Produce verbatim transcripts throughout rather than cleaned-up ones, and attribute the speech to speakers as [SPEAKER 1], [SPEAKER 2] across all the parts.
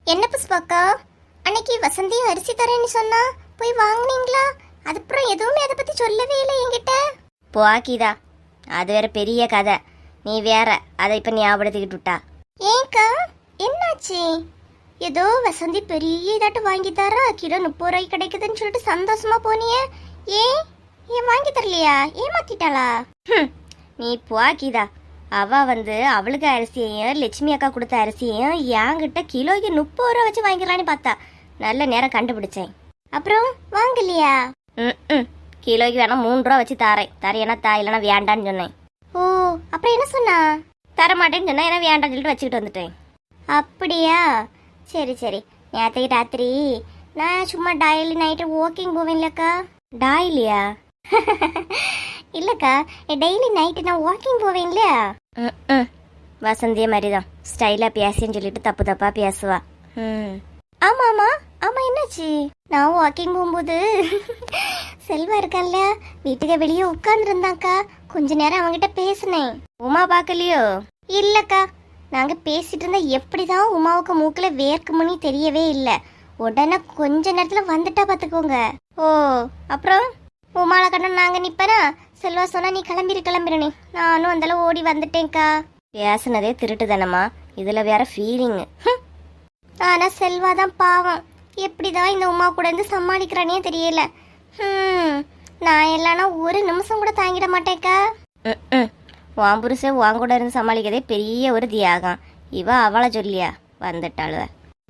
[SPEAKER 1] என்ன புஷ்பாக்கா, அன்னைக்கு வசந்தி அரிசி தரேன்னு சொன்னா போய் வாங்குனீங்களா? அதுக்கப்புறம் எதுவுமே அதை பத்தி சொல்லவே இல்லை என்கிட்ட.
[SPEAKER 2] போக்கிதா, அது வேற பெரிய கதை. நீ வேற அதை இப்ப ஞாபகப்படுத்திக்கிட்டு விட்டா.
[SPEAKER 1] ஏன்க்கா என்னாச்சு? ஏதோ வசந்தி பெரிய இதாட்டு வாங்கி தரா, கிலோ முப்பது ரூபாய்க்கு கிடைக்குதுன்னு சொல்லிட்டு சந்தோஷமா போனியே. ஏன் ஏன் வாங்கி தரலையா? ஏமாத்திட்டாளா?
[SPEAKER 2] நீ போக்கிதா, அவ வந்து அவளுக்கு அரிசியையும் லட்சுமி அக்கா கொடுத்த அரிசியையும் என்கிட்ட கிலோக்கு முப்பது ரூபா வச்சு வாங்கிக்கலான்னு பார்த்தா. நல்ல நேரம் கண்டுபிடிச்சேன்.
[SPEAKER 1] அப்புறம் வாங்கலையா?
[SPEAKER 2] ம் கிலோக்கு வேணா மூணு ரூபா வச்சு தாரேன். தரையனா தா, இல்லைன்னா வேண்டான்னு சொன்னேன்.
[SPEAKER 1] ஓ, அப்புறம் என்ன சொன்னா?
[SPEAKER 2] தர மாட்டேன்னு சொன்னா, ஏன்னா வேண்டான்னு சொல்லிட்டு வச்சுக்கிட்டு வந்துட்டேன்.
[SPEAKER 1] அப்படியா? சரி சரி. நேற்றுக்கு ராத்திரி நான் சும்மா டெய்லி நைட்டு வாக்கிங் போவேன்லக்கா.
[SPEAKER 2] டாயிலியா?
[SPEAKER 1] இல்லக்கா, டெய்லி நைட்டு நான் வாக்கிங் போவேன் இல்லையா?
[SPEAKER 2] ம் வசந்திய மாதிரிதான் ஸ்டைலா பேசின்னு சொல்லிட்டு தப்பு தப்பா பேசுவா. ம்
[SPEAKER 1] ஆமா ஆமா ஆமா. என்னாச்சு? நான் வாக்கிங் போகும்போது செல்வா இருக்கான்ல, வீட்டுக்கு வெளியே உட்கார்ந்துருந்தாக்கா. கொஞ்ச நேரம் அவங்கிட்ட பேசினேன்.
[SPEAKER 2] உமா பார்க்கலையோ?
[SPEAKER 1] இல்லக்கா, நாங்க பேசிட்டு இருந்தா எப்படிதான் உமாவுக்கு மூக்குல வேர்க்குமணி தெரியவே இல்லை. உடனே கொஞ்ச நேரத்துல வந்துட்டா பாத்துக்கோங்க.
[SPEAKER 2] ஓ, அப்புறம்
[SPEAKER 1] உமால கண்ணு நாங்க நிப்பனா, செல்வா சொன்னா நீ கிளம்பிரு கிளம்பிருனே. நானும் அந்தளவு ஓடி வந்துட்டேன்க்கா.
[SPEAKER 2] பேசுனதே திருட்டு தானம்மா, இதுல வேற ஃபீலிங்.
[SPEAKER 1] ஆனா செல்வா தான் பாவம். எப்படிதான் இந்த உமா கூட இருந்து சமாளிக்கிறானே தெரியல. ஹம் நான் இல்லைன்னா ஒரு நிமிஷம் கூட தாங்கிட மாட்டேக்கா.
[SPEAKER 2] ம் உன் புருஷன் உன் கூட இருந்து சமாளிக்கதே பெரிய ஒரு தியாகம். இவ அவளை சொல்லியா வந்துட்டாளுவ.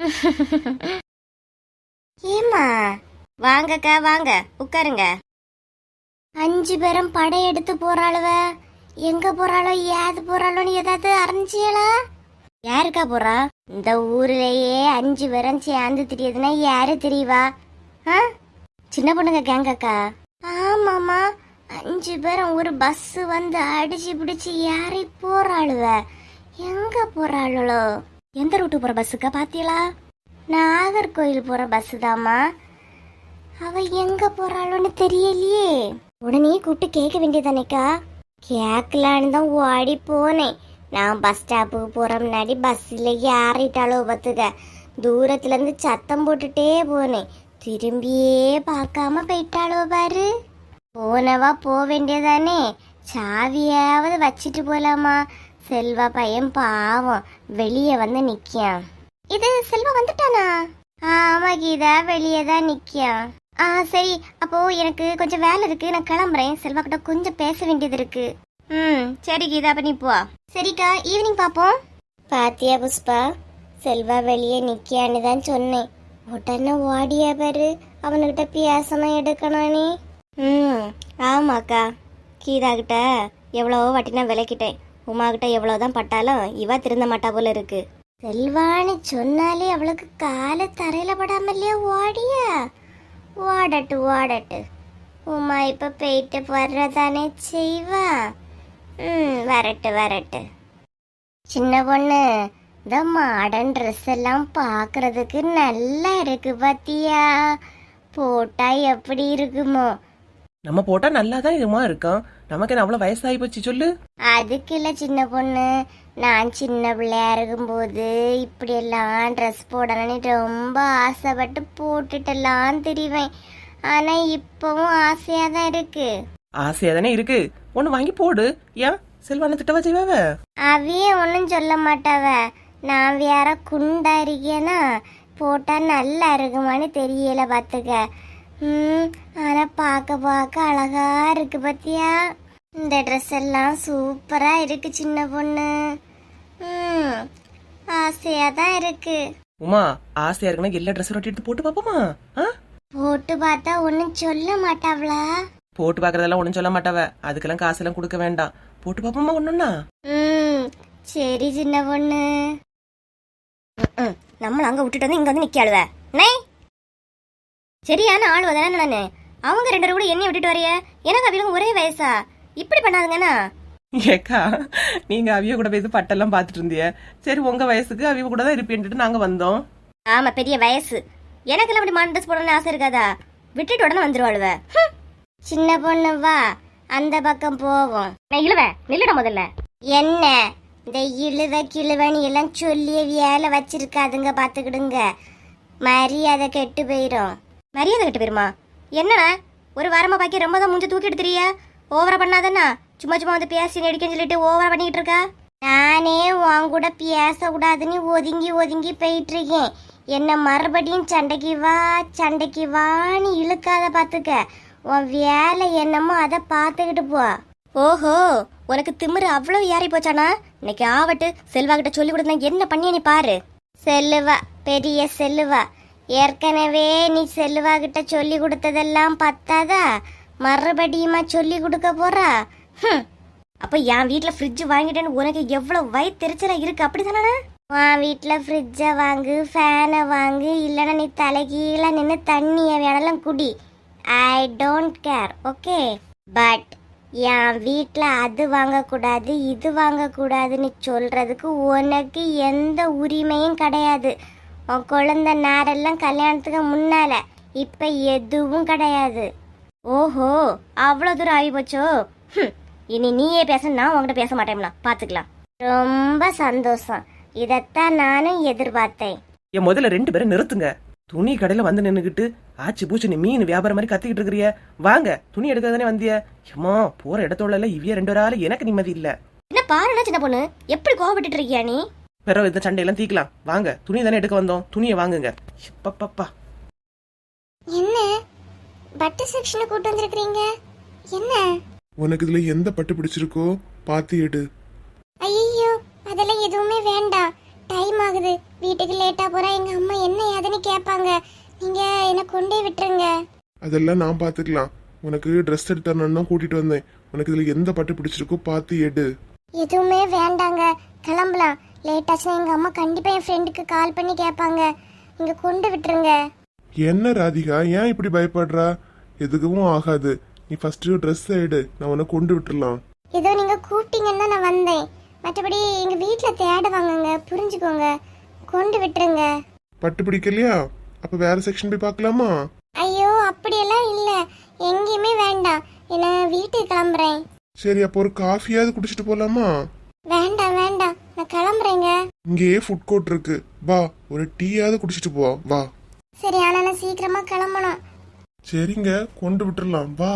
[SPEAKER 1] ஏமா?
[SPEAKER 2] வாங்கக்கா வாங்க, உட்காருங்க.
[SPEAKER 1] அஞ்சு பேரும் படையெடுத்து போறாளுவ. எங்க போறாளோ ஏது போறாளோன்னு ஏதாவது அறிஞ்சியலா?
[SPEAKER 2] யாருக்கா போறா?
[SPEAKER 1] இந்த ஊர்லயே அஞ்சு பேரும் சேர்ந்து தெரியுதுன்னா யாரு தெரியவா? ஆ,
[SPEAKER 2] சின்ன பொண்ணுங்க கேங்கக்கா.
[SPEAKER 1] ஆமாமா, அஞ்சு பேரும் ஒரு பஸ் வந்து அடிச்சு பிடிச்சு யாரை போறாளுவ. எங்க போறாளோ?
[SPEAKER 2] எந்த ரூட்டு போற பஸ்ஸுக்கா பாத்தீங்களா?
[SPEAKER 1] நாகர்கோயில் போற பஸ் தாமா. அவ எங்க போறாளோன்னு தெரியலையே. உடனே கூப்பிட்டு கேட்க வேண்டியதானேக்கா. கேட்கலான்னு தான் ஓடி போனேன். நான் பஸ் ஸ்டாப்புக்கு போற முன்னாடி பஸ்ல ஏறிட்டாளோ பத்துக்க. தூரத்துல இருந்து சத்தம் போட்டுட்டே போனேன். திரும்பியே பார்க்காம போயிட்டாளோ பாரு. போனவா போக வேண்டியதானே, சாவியாவது வச்சிட்டு போலாமா? செல்வா பையன் பாவம் வெளியே வந்து நிக்கான். இது செல்வா வந்துட்டானா? ஆமா கீதா, வெளியே தான் நிக்கான். ஆ சரி, அப்போ எனக்கு கொஞ்சம் வேலை இருக்கு, நான் கிளம்புறேன். செல்வா கிட்ட கொஞ்சம் பேச வேண்டியது இருக்கு.
[SPEAKER 2] ம் சரி கீதா, அப்ப நீ போ.
[SPEAKER 1] சரிக்கா, ஈவினிங் பாப்போம். பாத்தியா புஷ்பா, செல்வா வெளியே நிக்கான்னு தான் சொன்னேன். உடனே ஓடியா பாரு. அவனுக்கிட்ட பேசணும் எடுக்கணும் நீ.
[SPEAKER 2] ம் ஆமாக்கா, கீதா கிட்ட எவ்வளவோ வாட்டி நான் விளக்கிட்டேன். உமா கிட்ட எவ்வளவுதான் பட்டாலும் இவ திருந்த மாட்டா போல இருக்கு.
[SPEAKER 1] செல்வான்னு சொன்னாலே அவளுக்கு கால தரையில படாமலையா ஓடியா? ஓடட்டு ஓடட்டு. உமா இப்ப போயிட்டு வர்றதானே செய்வா. ம் வரட்டு வரட்டு. சின்ன பொண்ணு, இந்த மாடர்ன் ட்ரெஸ் எல்லாம் பாக்குறதுக்கு நல்லா இருக்கு பாத்தியா? போட்டா எப்படி இருக்குமோ?
[SPEAKER 3] நம்ம போட்டா நல்லா தான் இதுமா இருக்கும். நமக்கு என்ன அவ்வளவு வயசாகி போச்சு சொல்லு.
[SPEAKER 1] அதுக்கு இல்ல சின்ன பொண்ணு, நான் சின்ன பிள்ளையா இருக்கும்போது இப்படி எல்லாம் ட்ரெஸ் போடணும்னு ரொம்ப ஆசைப்பட்டு போட்டுட்டெல்லாம் தெரிவேன். ஆனா இப்பவும் ஆசையா தான் இருக்கு.
[SPEAKER 3] ஆசையா தானே இருக்கு, ஒண்ணு வாங்கி போடு. ஏன் செல்வான திட்டவா செய்வாவ?
[SPEAKER 1] அவைய ஒன்னும் சொல்ல மாட்டாவ. நான் வேற குண்டா இருக்கேனா, போட்டா நல்லா இருக்குமான்னு தெரியல பாத்துக்க. ம் ஆனா பாக்க பாக்க அழகா இருக்கு பாத்தியா? இந்த ட்ரெஸ் எல்லாம் சூப்பரா இருக்கு சின்ன பொண்ணு. ம் ஆசையா தான் இருக்கு.
[SPEAKER 3] உமா, ஆசையா இருக்குன்னா எல்லா ட்ரெஸ் ரொட்டி எடுத்து போட்டு பாப்போமா?
[SPEAKER 1] போட்டு பார்த்தா ஒன்னும் சொல்ல மாட்டாவளா?
[SPEAKER 3] போட்டு பாக்குறதெல்லாம் ஒண்ணும் சொல்ல மாட்டாவ. அதுக்கெல்லாம் காசெல்லாம் கொடுக்க வேண்டாம். போட்டு பாப்போமா ஒண்ணுன்னா?
[SPEAKER 1] ம் சரி சின்ன பொண்ணு.
[SPEAKER 2] நம்மள அங்க விட்டுட்டு வந்து இங்க வந்து நிக்காளுவ. நை சரியான ஆளுவ தானே நானு. அவங்க ரெண்டு பேரும் கூட என்னைய விட்டுட்டு வரைய. எனக்கு அவிகளும் ஒரே வயசா? இப்படி பண்ணாதுங்கண்ணா.
[SPEAKER 3] ஏக்கா, நீங்க அவிய கூட போய் பட்டெல்லாம் பாத்துட்டு இருந்திய. சரி, உங்க வயசுக்கு அவிய கூட தான் இருப்பேன்ட்டு நாங்க வந்தோம்.
[SPEAKER 2] ஆமா, பெரிய வயசு. எனக்கெல்லாம் அப்படி மான் ட்ரெஸ் போடணும்னு ஆசை இருக்காதா? விட்டுட்டு உடனே வந்துருவாளுவ.
[SPEAKER 1] சின்ன பொண்ணு வா, அந்த பக்கம் போவோம்.
[SPEAKER 2] நான் இழுவேன், நில்லுட முதல்ல.
[SPEAKER 1] என்ன இந்த இழுவ கிழுவன்னு எல்லாம் சொல்லிய வேலை வச்சிருக்காதுங்க, பாத்துக்கிடுங்க. மரியாதை கெட்டு போயிடும்.
[SPEAKER 2] மரியாதை கட்டு போயிருமா? என்னண்ணா ஒரு வாரமா பாக்கி ரொம்ப தான் மூஞ்ச தூக்கி எடுத்துறியா? ஓவரா பண்ணாதண்ணா. சும்மா சும்மா வந்து பேசி நடிக்கன்னு சொல்லிட்டு ஓவரா பண்ணிக்கிட்டு இருக்கா.
[SPEAKER 1] நானே உன் கூட பேசக்கூடாதுன்னு ஒதுங்கி ஒதுங்கி போயிட்டு இருக்கேன். என்ன மறுபடியும் சண்டைக்கு வா சண்டைக்கு வான்னு இழுக்காத, பாத்துக்க. உன் வேலை என்னமோ அதை பார்த்துக்கிட்டு போ.
[SPEAKER 2] ஓஹோ, உனக்கு திமிரு அவ்வளவு ஏறி போச்சானா? இன்னைக்கு ஆவட்டு செல்வா கிட்ட சொல்லி கொடுத்தா என்ன பண்ணிய நீ பாரு.
[SPEAKER 1] செல்லுவா, பெரிய செல்லுவா. ஏற்கனவே நீ செல்லுவா கிட்ட சொல்லி கொடுத்ததெல்லாம் பத்தாதா, மறுபடியுமா சொல்லி கொடுக்க போறா?
[SPEAKER 2] ஹம். அப்ப என் வீட்டுல ஃப்ரிட்ஜ் வாங்கிட்டேன்னு உனக்கு எவ்வளவு வயிற்றுச்சலா இருக்கு, அப்படிதானே?
[SPEAKER 1] உன் வீட்டில் ஃப்ரிட்ஜை வாங்கு, ஃபேனை வாங்கு, இல்லைன்னா நீ தலைகீழ நின்று தண்ணியை வேணாலும் குடி. I don't care, okay? But என் வீட்டில் அது வாங்கக்கூடாது இது வாங்கக்கூடாதுன்னு சொல்றதுக்கு உனக்கு எந்த உரிமையும் கிடையாது. உன் குழந்தை நேரெல்லாம் கல்யாணத்துக்கு முன்னால, இப்ப எதுவும் கிடையாது.
[SPEAKER 2] ஓஹோ, அவ்வளவு தூரம் ஆகி போச்சோ? ஹம். இனி நீயே பேச, நான் உங்ககிட்ட பேச மாட்டேம்னா, பாத்துக்கலாம்.
[SPEAKER 1] ரொம்ப சந்தோஷம். இதத்தான் நானும் எதிர்பார்த்தேன்.
[SPEAKER 3] என் முதல்ல ரெண்டு பேரும் நிறுத்துங்க. துணி கடையில வந்து நின்னுகிட்டு ஆச்சு பூச்சு நீ மீன் வியாபாரம் மாதிரி கத்திக்கிட்டு இருக்கிறிய. வாங்க, துணி எடுக்க தானே வந்திய. ஏமா போற இடத்தோட இவ்விய ரெண்டு பேரால எனக்கு நிம்மதி இல்ல.
[SPEAKER 2] என்ன பாருன்னா சின்ன பொண்ணு, எப்படி கோவப்பட்டு இருக்கியா நீ?
[SPEAKER 3] பிறகு இந்த சண்டையெல்லாம் தீக்கலாம். வாங்க, துணி தானே எடுக்க வந்தோம், துணியை வாங்குங்க. பப்பா
[SPEAKER 1] என்ன பட்டு செக்ஷனை கூட்டு வந்திருக்கீங்க? என்ன
[SPEAKER 4] உனக்கு இதுல எந்த பட்டு பிடிச்சிருக்கோ பாத்து எடு.
[SPEAKER 1] ஐயோ, அதெல்லாம் எதுவுமே வேண்டாம். டைம் ஆகுது, வீட்டுக்கு லேட்டா போறா. எங்க அம்மா என்ன ஏதுன்னு கேட்பாங்க. நீங்க என்ன கொண்டே விட்டுருங்க.
[SPEAKER 4] அதெல்லாம் நான் பாத்துக்கலாம். உனக்கு ட்ரெஸ் எடுத்தரணும் தான் கூட்டிட்டு வந்தேன். உனக்கு இதுல எந்த பட்டு பிடிச்சிருக்கோ பாத்து எடு.
[SPEAKER 1] எதுவுமே வேண்டாங்க, கிளம்பலாம். லேட் ஆச்சுன்னா எங்க அம்மா கண்டிப்பா என் ஃப்ரெண்டுக்கு கால் பண்ணி கேட்பாங்க. நீங்க கொண்டு விட்டுருங்க.
[SPEAKER 4] என்ன ராதிகா, ஏன் இப்படி பயப்படுறா? எதுக்கும் ஆகாது. நீ ஃபர்ஸ்ட் ட்ரெஸ் எடு, நான் உன்னை கொண்டு விட்டுறலாம்.
[SPEAKER 1] ஏதோ நீங்க கூப்பிட்டீங்கன்னா நான் வந்தேன். மற்றபடி எங்க வீட்டுல தேடுவாங்கங்க, புரிஞ்சுக்கோங்க. கொண்டு விட்டுருங்க.
[SPEAKER 4] பட்டு பிடிக்கலையா? அப்ப வேற செக்ஷன் போய் பார்க்கலாமா?
[SPEAKER 1] ஐயோ, அப்படியெல்லாம் இல்ல, எங்கேயுமே வேண்டாம். என்ன வீட்டுக்கு கிளம்புறேன்.
[SPEAKER 4] சரி, அப்போ ஒரு காஃபியாவது குடிச்சிட்டு போலாமா?
[SPEAKER 1] வேண்டாம் வேண்டாம், நான் கிளம்புறேங்க.
[SPEAKER 4] இங்கேயே ஃபுட் கோர்ட் இருக்கு, வா ஒரு டீயாவது குடிச்சிட்டு போ. வா.
[SPEAKER 1] சரி, ஆனா நான் சீக்கிரமா கிளம்பணும்.
[SPEAKER 4] சரிங்க, கொண்டு விட்டுறலாம், வா.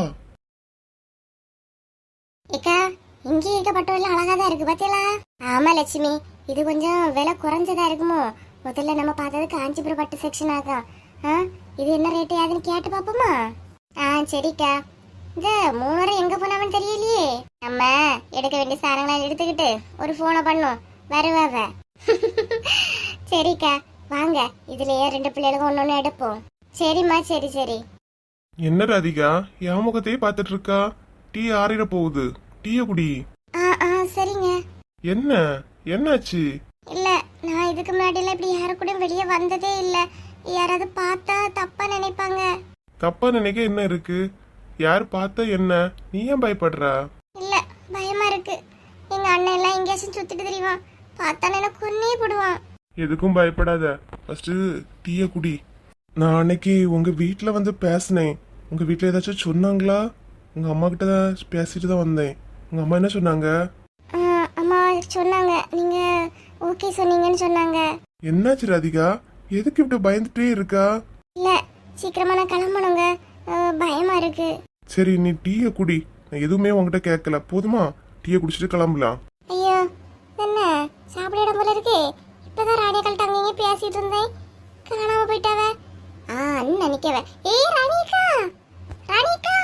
[SPEAKER 1] ஏக்கா, இங்கே இருக்க பட்டுவெல்லாம் அழகா தான் இருக்கு, பாத்தீங்களா? ஆமா லட்சுமி, இது கொஞ்சம் விலை குறைஞ்சதா இருக்குமோ? முதல்ல நம்ம பார்த்தது காஞ்சிபுரம் பட்டு செக்ஷன் ஆகும். ஆ, இது என்ன ரேட்டு யாதுன்னு கேட்டு பாப்போமா? ஆ சரிக்கா. இந்த மூணரை எங்க போனவன்னு தெரியலையே. நம்ம எடுக்க வேண்டிய சாரங்களை எடுத்துக்கிட்டு ஒரு போனை பண்ணும், வருவாவ. சரிக்கா, வாங்க, இதுலயே ரெண்டு பிள்ளைகளுக்கும் ஒன்னு ஒன்னு எடுப்போம். சரிம்மா, சரி சரி.
[SPEAKER 4] என்ன ராதிகா, என் முகத்தையே பாத்துட்டு இருக்கா? டீ ஆறிட போகுது, டீய குடி.
[SPEAKER 1] ஆ ஆ சரிங்க.
[SPEAKER 4] என்ன என்னாச்சு?
[SPEAKER 1] இல்ல, நான் இதுக்கு முன்னாடி எல்லாம் இப்படி யாரு கூட வெளியே வந்ததே இல்ல. யாராவது பார்த்தா தப்பா நினைப்பாங்க.
[SPEAKER 4] தப்பா நினைக்க என்ன இருக்கு? யார் பார்த்தா என்ன? நீ ஏன் பயப்படுறா?
[SPEAKER 1] இல்ல, பயமா இருக்கு. எங்க அண்ணன் எல்லாம் எங்கேயாச்சும் சுத்திட்டு தெரியுவான், பார்த்தா எனக்கு கொன்னே போடுவான்.
[SPEAKER 4] எதுக்கும் பயப்படாத, ஃபர்ஸ்ட் டீய குடி. நான் அன்னைக்கு உங்க வீட்டுல வந்து பேசினேன். உங்க வீட்டுல ஏதாச்சும் சொன்னாங்களா? உங்க அம்மா கிட்ட தான் பேசிட்டு தான் வந்தேன். உங்க அம்மா என்ன சொன்னாங்க?
[SPEAKER 1] ஆ, அம்மா சொன்னாங்க, நீங்க ஓகே சொன்னீங்கன்னு சொன்னாங்க.
[SPEAKER 4] என்னாச்சு ராதிகா, எதுக்கு இப்படி பயந்துட்டே இருக்கா?
[SPEAKER 1] இல்ல, சீக்கிரமா நான் கிளம்பணுங்க, ஆ, பயமா இருக்கு.
[SPEAKER 4] சரி, நீ டீய குடி. நான் எதுவுமே உங்ககிட்ட கேட்கல, போதுமா? டீய குடிச்சிட்டு கிளம்பலாம்.
[SPEAKER 1] ஐயோ, என்ன சாப்பிட இடம் போல இருக்கே. இப்பதான் ராணியா கல்ட்ட அங்கேயே பேசிட்டு இருந்தேன், காணாம போயிட்டாவ. ஆ, அண்ணன் நினைக்கவ. ஏய் ராணிகா, ராணிகா,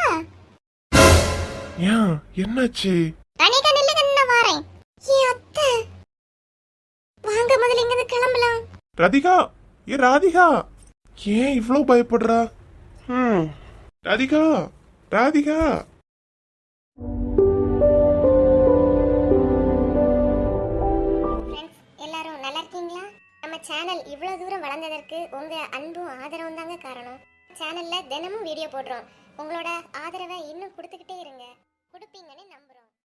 [SPEAKER 4] ஏன் என்னாச்சு?
[SPEAKER 1] ராணிகா நில்லுங்க, நான் வரேன். ஏ அத்தை, வாங்க முதல்ல இங்க இருந்து கிளம்பலாம்.
[SPEAKER 4] ராதிகா, ஏ ராதிகா, ஏன் இவ்வளவு பயப்படுறா? ம் ராதிகா, ராதிகா.
[SPEAKER 1] ஃப்ரெண்ட்ஸ், எல்லாரும் நல்லா இருக்கீங்களா? நம்ம சேனல் இவ்வளவு தூரம் வளர்ந்ததற்கு உங்க அன்பும் ஆதரவும் தாங்க காரணம். சேனல்ல தினமும் வீடியோ போடுறோம். உங்களோட ஆதரவை இன்னும் கொடுத்துக்கிட்டே இருங்க, கொடுப்பீங்கன்னு நம்புறோம்.